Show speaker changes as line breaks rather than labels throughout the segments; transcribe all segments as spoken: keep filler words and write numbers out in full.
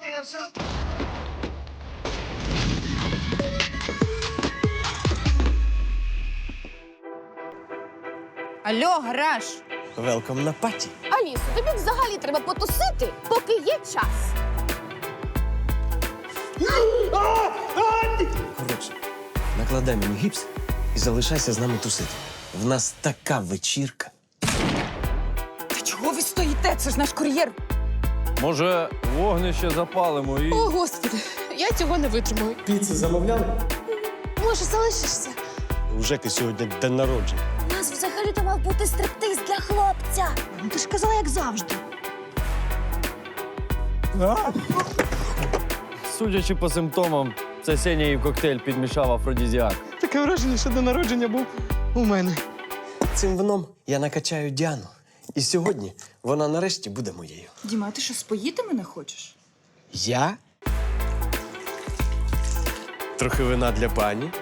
Алло, гараж!
Велком на паті.
Алісо, тобі взагалі треба потусити, поки є час.
Коротше, накладай мені гіпс і залишайся з нами тусити. В нас така вечірка.
Та чого ви стоїте? Це ж наш кур'єр.
Може, вогнище запалимо і.
О, Господи, я цього не витримую.
Піци замовляли?
Може, залишишся?
У Жеки сьогодні день народження.
У нас взагалі-то мав бути стриптиз для хлопця. Ну, ти ж казала, як завжди.
Судячи по симптомам, це Сеня їй в коктейль підмішав афродізіак.
Таке враження, що день народження був у мене.
Цим вином я накачаю Діану. І сьогодні вона нарешті буде моєю.
Діма, а ти що, споїти мене хочеш?
Я? Трохи вина для пані.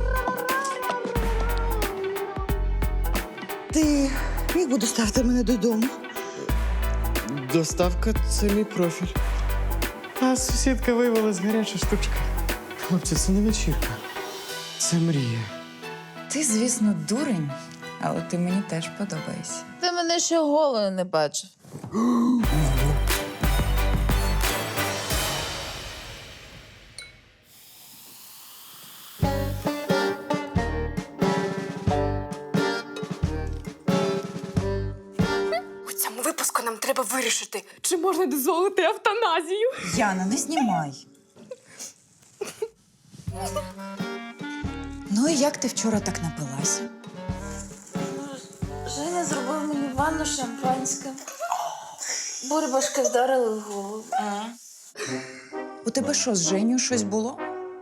Ти міг би доставити мене додому?
Доставка – це мій профіль. А сусідка виявилась гаряча штучка. Хлопці, це не вечірка. Це мрія.
Ти, звісно, дурень, але ти мені теж подобаєшся.
Ти мене ще голою не бачив.
У цьому випуску нам треба вирішити, чи можна дозволити евтаназію.
Яна, не знімай. Ну і як ти вчора так напилася?
Женя зробив мені ванну шампанське. Бурбашки вдарили в голову.
У тебе що, з Женю щось було?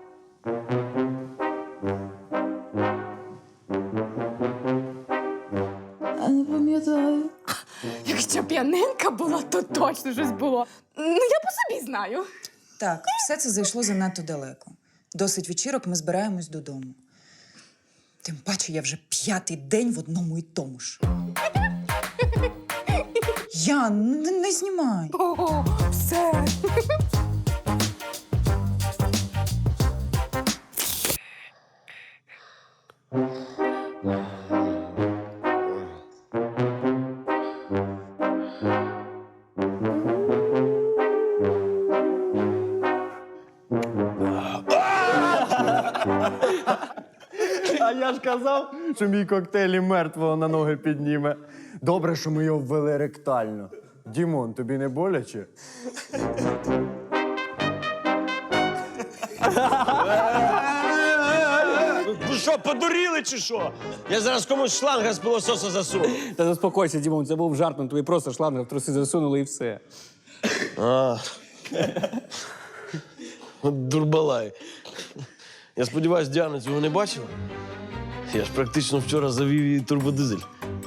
А не пам'ятаю.
Якщо п'яненька була, то точно щось було. Ну, я по собі знаю.
Так, все це зайшло занадто далеко. Досить вечірок, ми збираємось додому. Тим паче я вже п'ятий день в одному і тому ж. Ян, не, не знімай.
О, все.
А я ж казав, що мій коктейль і мертвого на ноги підніме. Добре, що ми його ввели ректально. Дімон, тобі не боляче?
Ви що, подуріли чи що? Я зараз комусь шланга з пилососа засуну.
Та заспокойся, Дімон, це був жарт, ну тобі просто шланг в труси засунули і все.
А. От дурбалай. Я сподіваюся, Діана цього не бачила. Я ж практично вчора завів її турбодизель.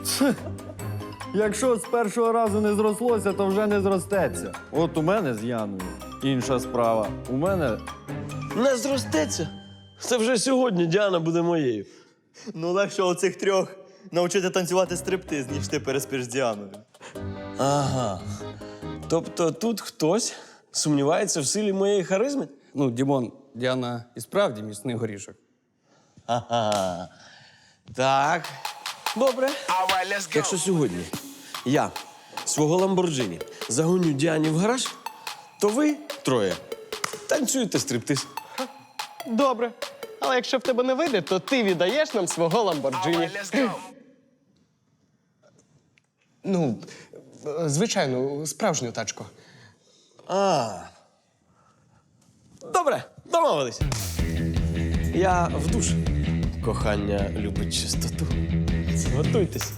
Якщо з першого разу не зрослося, то вже не зростеться. От у мене з Яною інша справа. У мене
Не зростеться. Це вже сьогодні Діана буде моєю.
Ну, легше оцих трьох навчити танцювати стриптиз, ніж ти переспиш з Діаною.
Ага. Тобто тут хтось сумнівається в силі моєї харизми?
Ну, Дімон, Діана і справді міцний горішок.
Ага. Так. Добре. Якщо сьогодні я свого Ламборджині загоню Діані в гараж, то ви троє танцюєте стриптиз.
Добре. Але якщо в тебе не вийде, то ти віддаєш нам свого Ламборджині. Ну, звичайно, справжню тачку.
А. Добре, домовились. Я в душ. Кохання любить чистоту. Готуйтесь.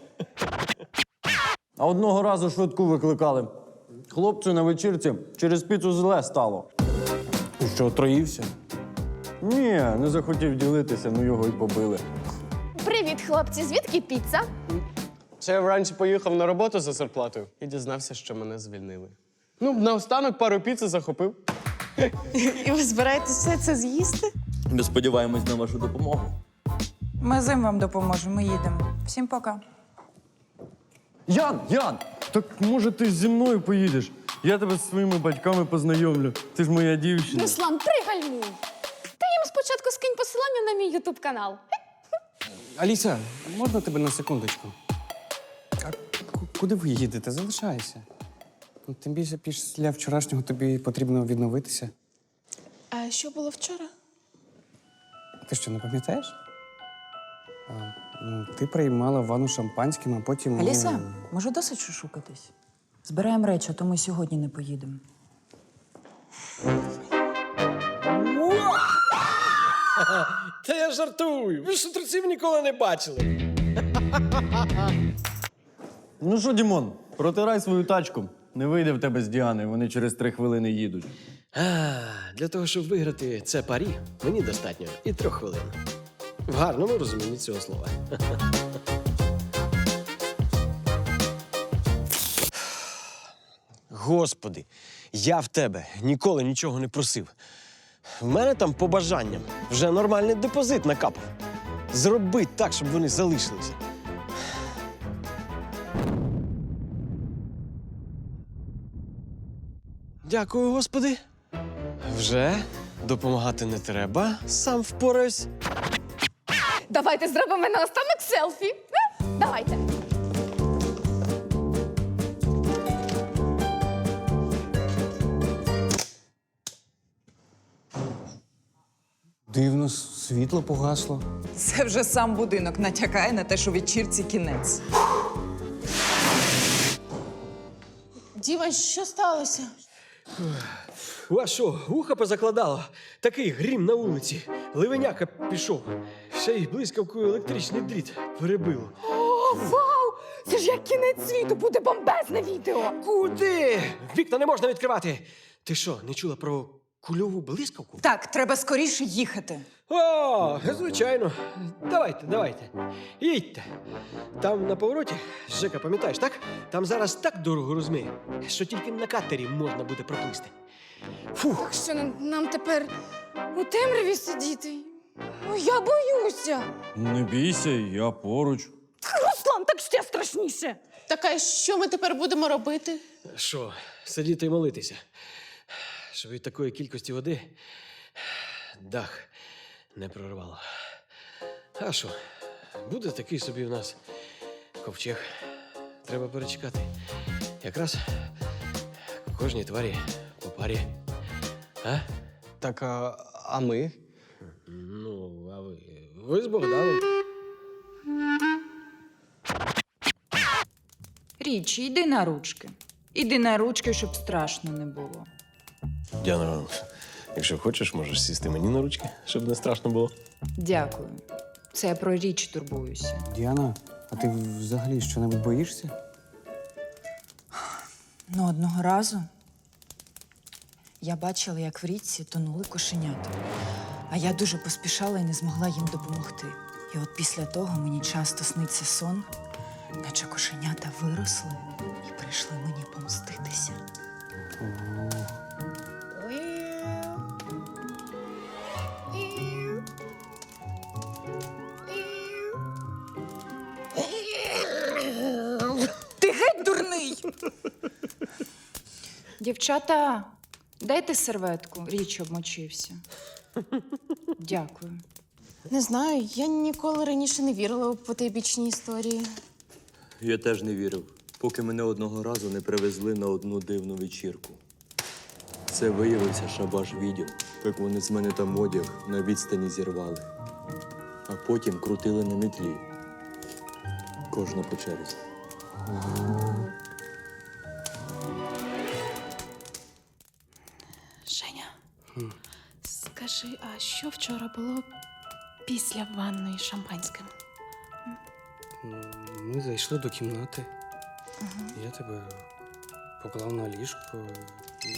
А одного разу швидку викликали. Хлопцю на вечірці через піцу зле стало.
І що, отруївся?
Ні, не захотів ділитися, ну його й побили.
Привіт, хлопці. Звідки піца?
Це я вранці поїхав на роботу за зарплатою і дізнався, що мене звільнили. Ну, наостанок пару піци захопив.
І ви збираєтесь все це з'їсти?
Ми сподіваємось на вашу допомогу.
Ми з ним вам допоможемо, ми їдемо. Всім пока.
Ян, Ян, так може ти зі мною поїдеш? Я тебе з своїми батьками познайомлю. Ти ж моя дівчина.
Руслан, пригальмуй! Ти їм спочатку скинь посилання на мій ютуб канал.
Аліса, можна тебе на секундочку? А ку- куди ви їдете? Залишайся. Ну, тим більше після вчорашнього тобі потрібно відновитися.
А що було вчора?
Ти що, не пам'ятаєш? А, ну, ти приймала ванну шампанським, а потім. ну,
Аліса, може досить шушукатись? Збираємо речі, а то ми сьогодні не поїдемо.
Та я жартую. Ви ж шутерців ніколи не бачили.
Ну що, Дімон, протирай свою тачку. Не вийде в тебе з Діани, вони через три хвилини їдуть.
А, для того, щоб виграти це парі, мені достатньо і трьох хвилин. В гарному розумінні цього слова. Господи, я в тебе ніколи нічого не просив. В мене там по бажанням вже нормальний депозит накапав. Зроби так, щоб вони залишилися. Дякую, Господи. Вже допомагати не треба, сам впораюсь.
Давайте зробимо наостанок селфі. Е? Давайте.
Дивно, світло погасло.
Це вже сам будинок натякає на те, що вечірці кінець.
Діма, що сталося?
У вас що, вуха позакладало? Такий грім на вулиці. Ливеняка пішов. Ще й блискавкою електричний дріт перебило.
О, вау! Це ж як кінець світу, буде бомбезне відео.
Куди? Вікна не можна відкривати. Ти що, не чула про кульову блискавку?
Так, треба скоріше їхати.
О, звичайно. Давайте, давайте. Їдьте. Там на повороті, Жека, пам'ятаєш, так? Там зараз так дорого розмиє, що тільки на катері можна буде проплисти. Фух.
Що нам, нам тепер у темряві сидіти? Ой, я боюся.
Не бійся, я поруч.
Руслан, так ще страшніше.
Так, а що ми тепер будемо робити?
Що, сидіти і молитися? Щоб від такої кількості води дах не прорвало. А що, буде такий собі в нас ковчег. Треба перечекати. Якраз кожній тварі по парі. А?
Так, а, а ми?
Ну, а ви? Ви з Богданом.
Річі, йди на ручки. Іди на ручки, щоб страшно не було.
Діана, якщо хочеш, можеш сісти мені на ручки, щоб не страшно було.
Дякую. Це я про річ турбуюся.
Діана, а ти взагалі що-небудь боїшся?
Ну, одного разу я бачила, як в річці тонули кошенята. А я дуже поспішала і не змогла їм допомогти. І от після того мені часто сниться сон, наче кошенята виросли і прийшли мені помститися. Ти геть дурний! Дівчата, дайте серветку, річ обмочився. Дякую.
Не знаю, я ніколи раніше не вірила у потайбічні історії.
Я теж не вірив, поки мене одного разу не привезли на одну дивну вечірку. Це виявився шабаш відео, як вони з мене там одяг на відстані зірвали. А потім крутили на мітлі. Кожна по черзі.
Женя, скажи, а що вчора було після ванної з шампанським?
Ми зайшли до кімнати. Я тебе поклав на ліжко. І...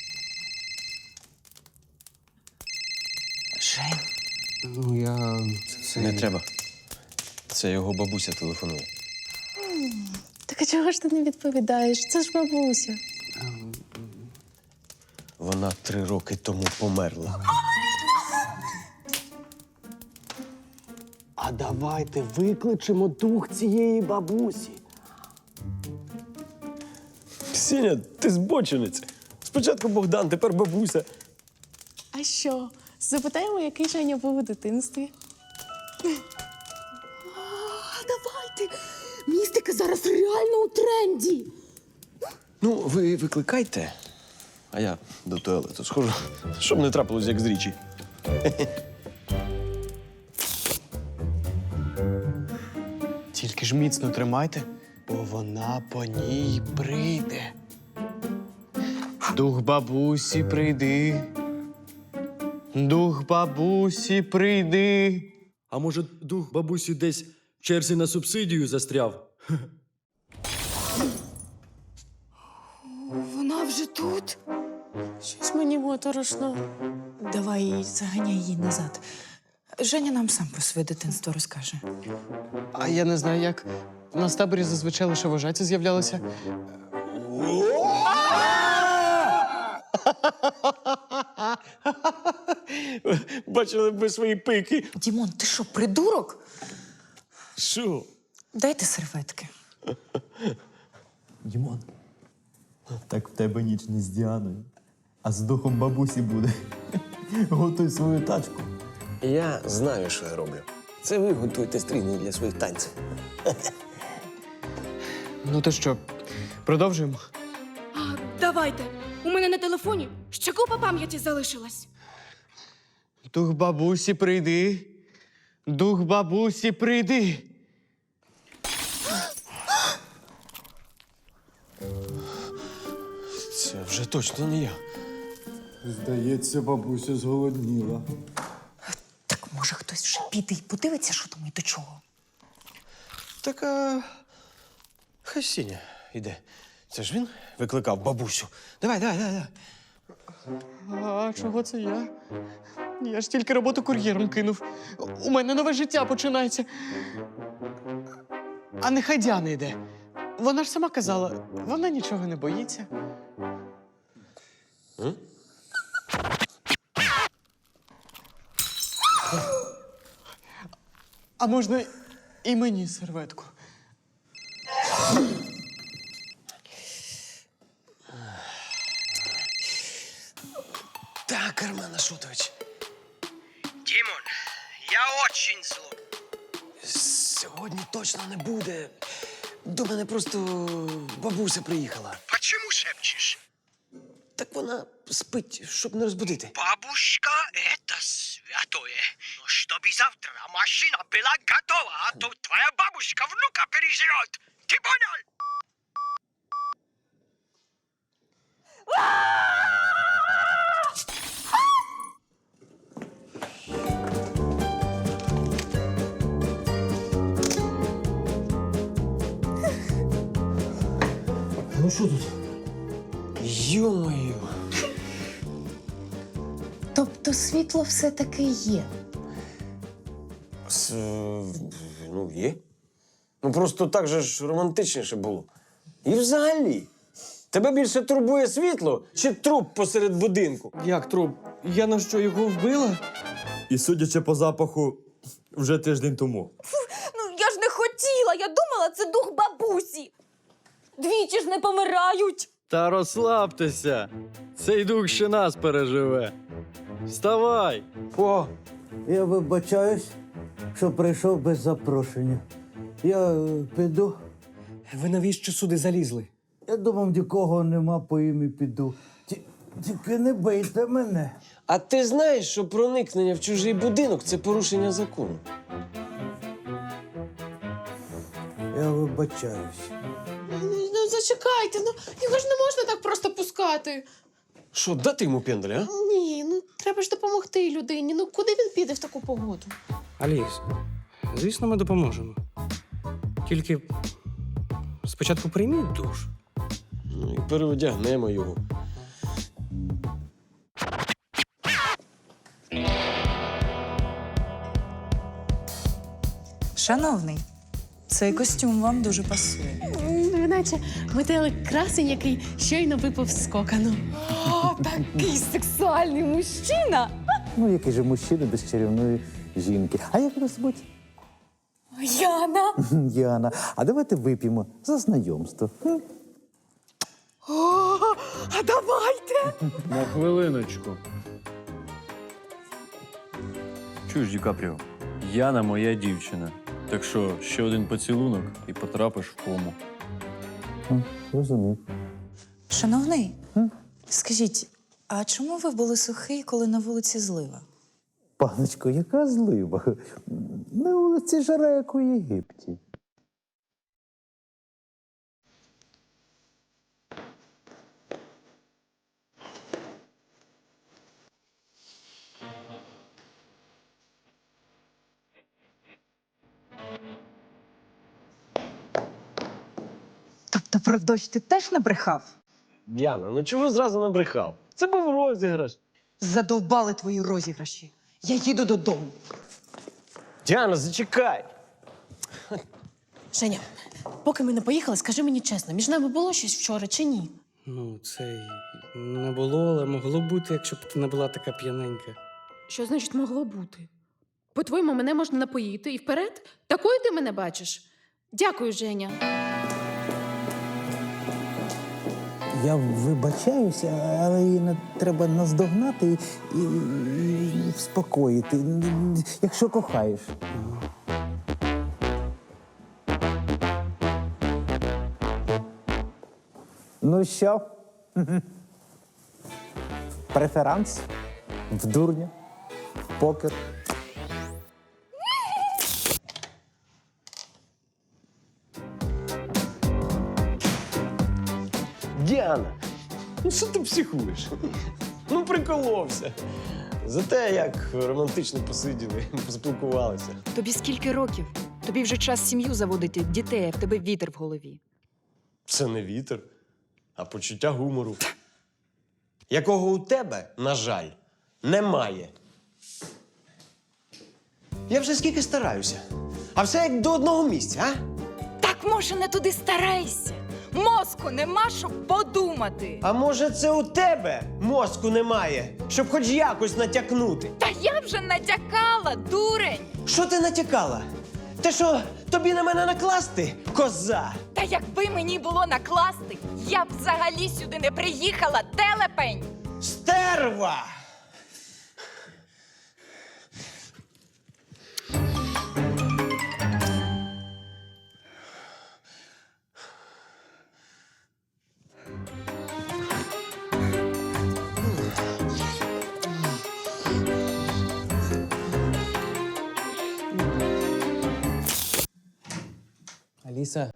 Жень,
Ну, я. Це...
Не треба. Це його бабуся телефонує.
Так а чого ж ти не відповідаєш? Це ж бабуся.
Вона три роки тому померла.
А давайте викличемо дух цієї бабусі.
Сеня, ти збочинець. Спочатку Богдан, тепер бабуся.
А що? Запитаємо, який Женя був у дитинстві.
Давайте! Містика зараз реально у тренді.
Ну, ви викликайте, а я до туалету схожу, щоб не трапилось, як з річі.
Тільки ж міцно тримайте, бо вона по ній прийде. Дух бабусі, прийди. Дух бабусі, прийди.
А може, дух бабусі десь в черзі на субсидію застряв?
Вона вже тут.
Щось мені моторошно.
Давай заганяй її назад. Женя нам сам про своє дитинство розкаже.
А я не знаю, як. У нас в таборі зазвичай лише вожаті з'являлися.
Бачили б ви свої пики.
Дімон, ти що, придурок?
Що?
Дайте серветки.
Дімон, так в тебе ніч не з Діаною, а з духом бабусі буде. Готуй свою тачку.
Я знаю, що я роблю. Це ви готуєте стрійні для своїх танців.
Ну то що, продовжуємо?
А, давайте. У мене на телефоні ще купа пам'яті залишилась.
Дух бабусі, прийди. Дух бабусі, прийди.
Це вже точно не я.
Здається, бабуся зголодніла.
Так може хтось вже піде і подивиться, що там і до чого.
Так, а... хай Сеня йде. Це ж він викликав бабусю. Давай, давай, давай, давай.
А чого це я? Я ж тільки роботу кур'єром кинув. У мене нове життя починається. А нехай Діана йде. Вона ж сама казала, вона нічого не боїться.
М?
А можна і мені серветку?
Так, Армен Ашотович.
Димон, я очень злой.
Сьогодні точно не буде. До мене просто бабуся приїхала.
Почему шепчешь?
Так вона спить, щоб не розбудити.
Бабушка — это святое. Но чтобы завтра машина была готова, а то твоя бабушка внука переживет. Ты понял?
Ну що тут? Йо-моє.
Тобто світло все-таки є.
С, ну, є. Ну просто так же ж романтичніше було. І взагалі, тебе більше турбує світло чи труп посеред будинку?
Як труп? Я на що, його вбила?
І судячи по запаху, вже тиждень тому.
Ну, я ж не хотіла, я думала, це дух бабусі. Двічі ж не помирають.
Та розслабтеся. Цей дух ще нас переживе. Вставай!
О,
Я вибачаюсь, що прийшов без запрошення. Я е, піду.
ви навіщо сюди залізли?
Я думав, нікого нема по ім'ї піду. Ті- Тільки не бийте мене.
А ти знаєш, що проникнення в чужий будинок це порушення закону?
Я вибачаюсь.
Ну, зачекайте, ну його ж не можна так просто пускати.
Що, дати йому пенделя, а?
Ні, ну треба ж допомогти людині. Ну куди він піде в таку погоду?
Аліс, звісно, ми допоможемо. Тільки спочатку прийміть душ.
Ну і переодягнемо його.
Шановний, цей костюм вам дуже пасує.
Ну, наче метелик красень, який щойно випав з кокану.
О, такий сексуальний мужчина.
Ну, який же мужчина без чарівної жінки. А як вас звуть?
Яна.
Яна. А давайте вип'ємо за знайомство. М?
О, а давайте!
На хвилиночку.
Чуєш, Ді Капріо, Яна моя дівчина. Так що ще один поцілунок і потрапиш в кому.
Розумію.
Шановний, скажіть, а чому ви були сухий, коли на вулиці злива?
Паночко, яка злива? На вулиці жара, як у Єгипті.
Тобто про дощ ти теж набрехав?
Діана, ну чого зразу набрехав? Це був розіграш.
Задовбали твої розіграші. Я їду додому.
Діана, зачекай.
Женя, поки ми не поїхали, скажи мені чесно, між нами було щось вчора чи ні?
Ну, це й не було, але могло бути, якщо б ти не була така п'яненька.
Що значить могло бути? По-твоєму, мене можна напоїти і вперед? Такою ти мене бачиш? Дякую, Женя.
Я вибачаюся, але її не треба наздогнати і, і, і вспокоїти, якщо кохаєш. Ну що? Преферанс? В дурня? В покер?
Діана, ну що ти психуєш? Ну, приколовся. Зате як романтично посиділи, поспілкувалися.
Тобі скільки років? Тобі вже час сім'ю заводити, дітей, а в тебе вітер в голові.
Це не вітер, а почуття гумору. Якого у тебе, на жаль, немає. Я вже скільки стараюся. А все як до одного місця, а?
Так, може, не туди старайся. Мозку нема, щоб подумати.
А може, це у тебе мозку немає, щоб хоч якось натякнути?
Та я вже натякала, дурень.
Що ти натякала? Те, що тобі на мене накласти, коза?
Та якби мені було накласти, я б взагалі сюди не приїхала, телепень.
Стерва!
Аліса.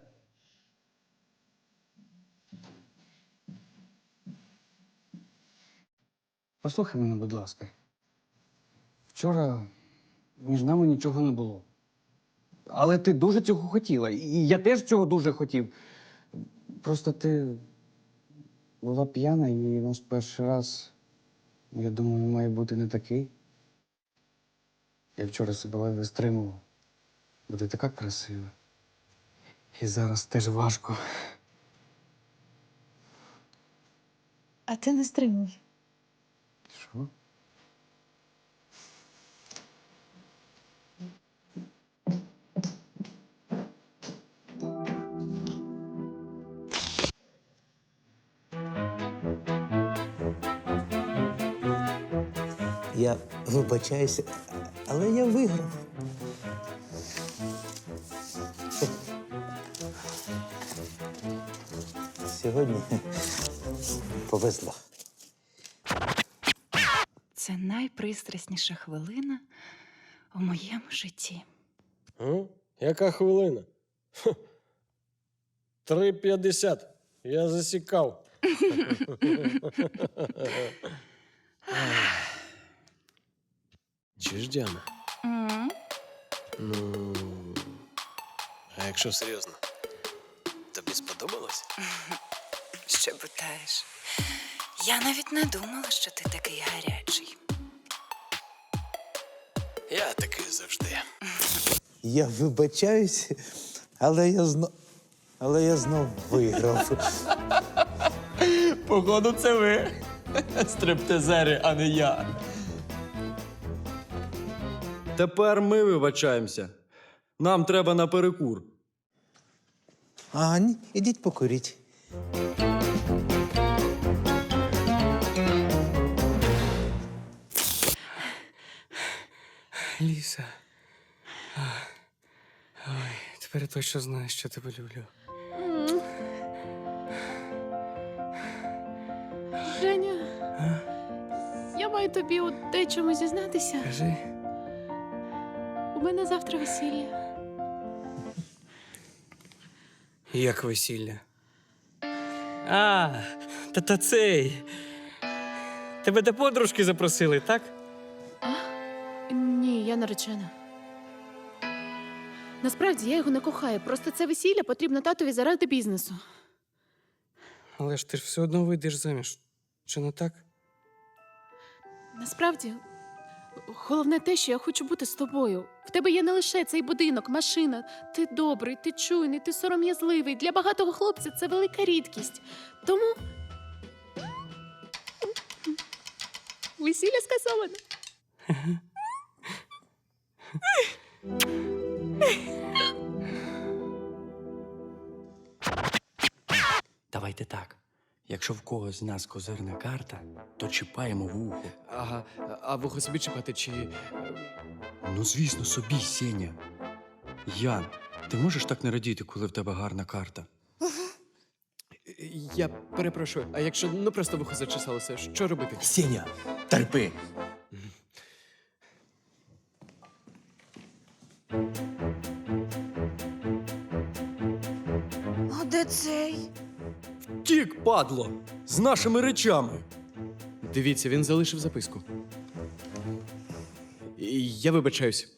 Послухай мене, будь ласка. Вчора між нами нічого не було. Але ти дуже цього хотіла. І я теж цього дуже хотів. Просто ти була п'яна, і наш перший раз, я думаю, має бути не такий. Я вчора себе ледве стримував. Бо ти така красива. І зараз теж важко.
А ти не стримуй.
Що?
Я вибачаюся, але я виграв. Сьогодні повезло.
Це найпристрасніша хвилина у моєму житті.
А? Яка хвилина? Хм. три п'ятдесят. Я засікав. Чуєш, Діана?
М?
Ну. А якщо серйозно, тобі сподобалось?
Що питаєш? Я навіть не думала, що ти такий гарячий.
Я такий завжди.
Я вибачаюся, але я знов. Але я знов виграв.
Походу, це ви. Стриптизери, а не я.
Тепер ми вибачаємося. Нам треба на перекур.
А, ні, ідіть покуріть.
Ліса. А, Ой, тепер я точно знаю, що тебе люблю.
Женя, я маю тобі у дечому зізнатися.
Кажи.
У мене завтра весілля.
Як весілля? А, та та цей. Тебе до подружки запросили, так?
Ні, я наречена. Насправді я його не кохаю. Просто це весілля потрібно татові заради бізнесу.
Але ж ти ж все одно вийдеш заміж. Чи не так?
Насправді, головне те, що я хочу бути з тобою. В тебе є не лише цей будинок, машина. Ти добрий, ти чуйний, ти сором'язливий. Для багатого хлопця це велика рідкість. Тому весілля скасовано.
Давайте так. Якщо в когось з нас козирна карта, то чіпаємо вухо.
Ага, а вухо собі чіпати чи.
Ну, звісно, собі, Сеня. Ян, ти можеш так не радіти, коли в тебе гарна карта?
Я перепрошую, а якщо ну просто вухо зачесалося, що робити?
Сеня, терпи!
А де цей?
Тік, падло! З нашими речами.
Дивіться, він залишив записку. І я вибачаюсь.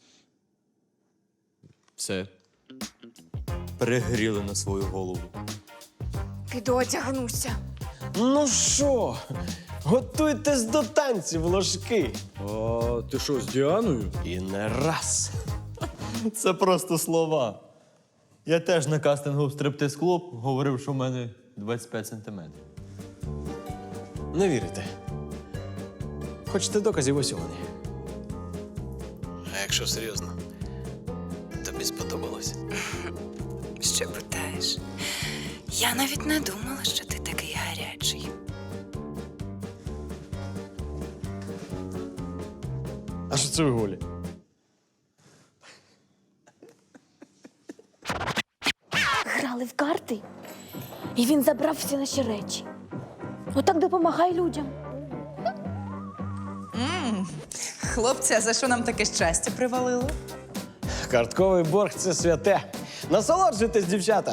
Все.
Перегріли на свою голову.
Піду одягнуся.
Ну що, готуйтесь до танців, ложки.
А ти що, з Діаною?
І не раз.
Це просто слова. Я теж на кастингу в стриптиз-клуб говорив, що в мене двадцять п'ять сантиметрів.
Не вірите. Хочете доказів, ось вони. А якщо серйозно, тобі сподобалось.
Що питаєш? Я навіть не думала, що ти такий гарячий.
А що це ви голі?
Грали в карти, і він забрав всі наші речі. Отак допомагай людям.
Хлопці, а за що нам таке щастя привалило?
Картковий борг – це святе. Насолоджуйтесь, дівчата.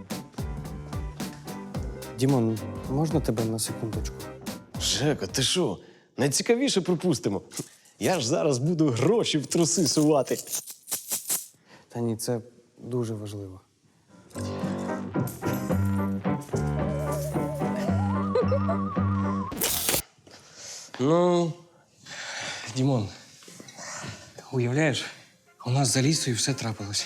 Дімон, можна тебе на секундочку?
Жека, ти що? Найцікавіше пропустимо. Я ж зараз буду гроші в труси сувати.
Та ні, це дуже важливо.
Ну,
Дімон, уявляєш, у нас за лісою все трапилось.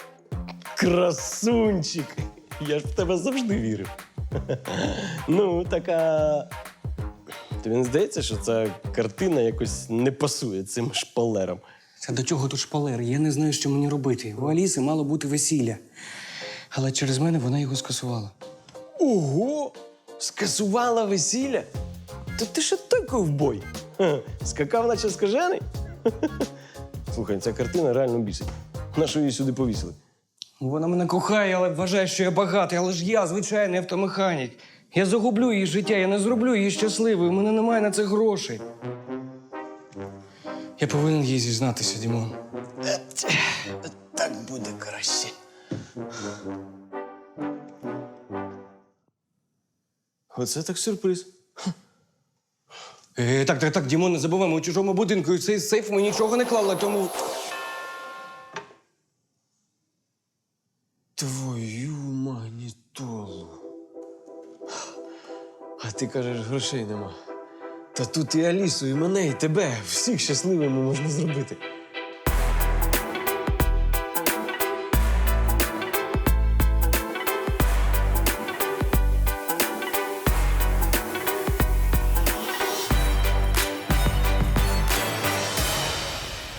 красунчик. Я ж в тебе завжди вірив. Ну, така. Тобі не здається, що ця картина якось не пасує цим шпалерам?
Це до чого тут шпалер? Я не знаю, що мені робити. У Аліси мало бути весілля. Але через мене вона його скасувала.
Ого! Скасувала весілля? То ти ще той ковбой. Ха, скакав, наче скажений? Слухай, ця картина реально бісить. На що її сюди повісили?
Вона мене кохає, але вважає, що я багатий. Але ж я звичайний автомеханік. Я загублю її життя, я не зроблю її щасливою. У мене немає на це грошей. Я повинен їй зізнатися, Дімон.
Так буде краще. Оце так сюрприз.
Е, так, так, так, Дімон, не забуваємо, у чужому будинку. І в цей сейф ми нічого не клали, тому...
Твою магнітолу. А ти кажеш, грошей нема. Та тут і Алісу, і мене, і тебе. Всіх щасливими можна зробити.